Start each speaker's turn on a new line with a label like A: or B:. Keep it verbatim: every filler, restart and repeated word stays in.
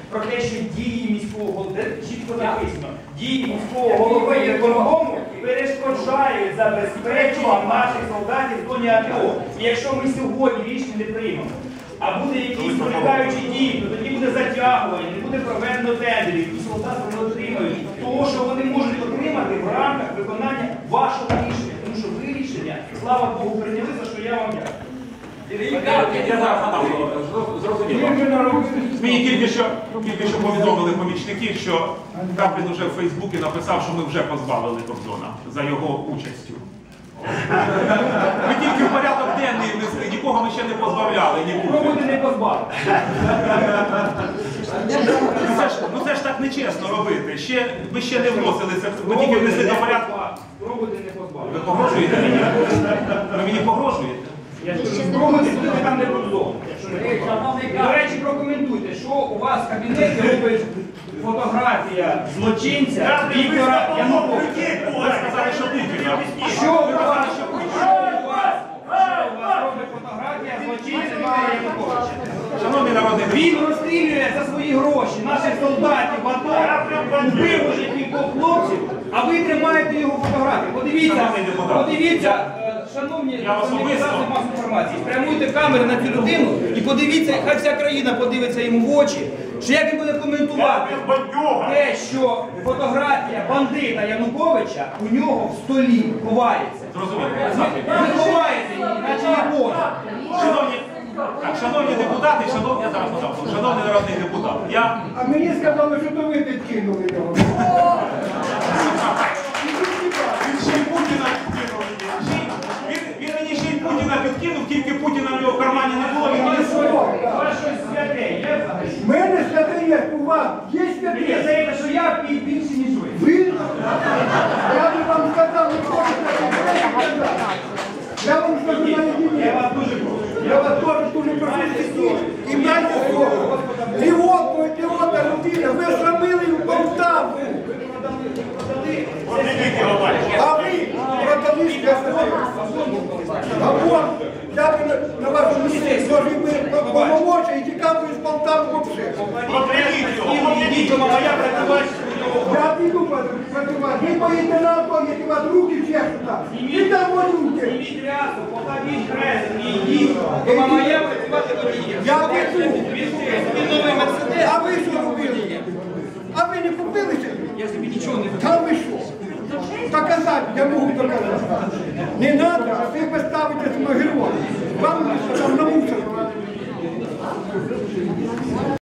A: про те, що дії міського голови, чітко написано, дії міського голови виконкому перешкоджають забезпечення наших солдатів в зоні АТО. І якщо ми сьогодні рішення не приймемо, а буде якісь проникаючі дії, то тоді буде затягування, не буде проведено тендерів, і солдати не отримають того, що вони можуть отримати в рамках виконання вашого рішення. Тому що ви рішення, слава Богу, прийняли, за що я вам дякую.
B: Я зараз надам, зрозуміло. Мені тільки що, тільки що повідомили помічники, що Каплін вже в Фейсбуці написав, що ми вже позбавили Кобзона за його участю. Ми тільки в порядок денний внесли, нікого ми ще не позбавляли.
A: Пробуйте не позбавити.
B: Ну це ж так нечесно робити. Ще, ви ще не вносили це, ви тільки внесли до порядку.
A: Пробуйте не позбавити.
B: Ви погрожуєте мені? Ви мені погрожуєте?
A: Я ж кажу, спробуйте, туди там не Кобзон. До речі, прокоментуйте, що у вас в кабінеті робить фотографія злочинця Віктора Януковича.
B: Ви сказали, що Путіна.
A: Що у вас, що у вас, що у вас робить фотографія злочинця Віктора Януковича?
B: Шановний народний
A: Він
B: депутат.
A: розстрілює за свої гроші наших солдатів в АТО, вбив уже кількох хлопців, а ви тримаєте його фотографію. Подивіться, подивіться, шановні засоби масової інформації, спрямуйте камери на цю людину і подивіться, хай вся країна подивиться йому в очі, що як він буде коментувати те, що фотографія бандита Януковича у нього в столі ховається.
B: Зрозуміло.
A: Ви ховаєте її, наче її Бога.
B: Шановні, так, шановні депутати, шановні, я зараз подав, шановний народний депутат, я...
C: А мені сказали, що то ви підкинули його.
B: Він ще й Путіна підкинув. Він, він мені ще й Путіна підкинув, тільки Путіна в його кармані не було, він мені свого.
A: У вас щось святе є взагалі?
C: В мене святе є, у вас є
A: Мені
C: святе.
A: здається, що я більше, ніж ви.
C: Ви? Я би вам сказав, не хочете сказати. Я вам скажу на
A: Я
C: єдині.
A: вас дуже прошу.
C: Я вас теж дуже прошу сидіти. І дайте слово. Ідіотку, ідіота людина, ви срамили в Полтаву. А ви продали святе. А от, я би на вашому місці зложив би повномочі і тікав би з Полтави взагалі.
A: Ідіть до моя працювати.
C: Я піду працювати. Ви поїдете на авто, які у вас руки чешуться. І там малюнки.
A: Зніміть рясу, покажіть хрест і йдіть до моя працювати водієм.
C: Я піду.
A: Він новий Мерседес.
C: А ви що робили? А ви не купили ще?
A: Я собі нічого не буду.
C: Та ви що? Доказати, я можу доказати. Не треба, а ви поставите свого героя. Вам там на мусор.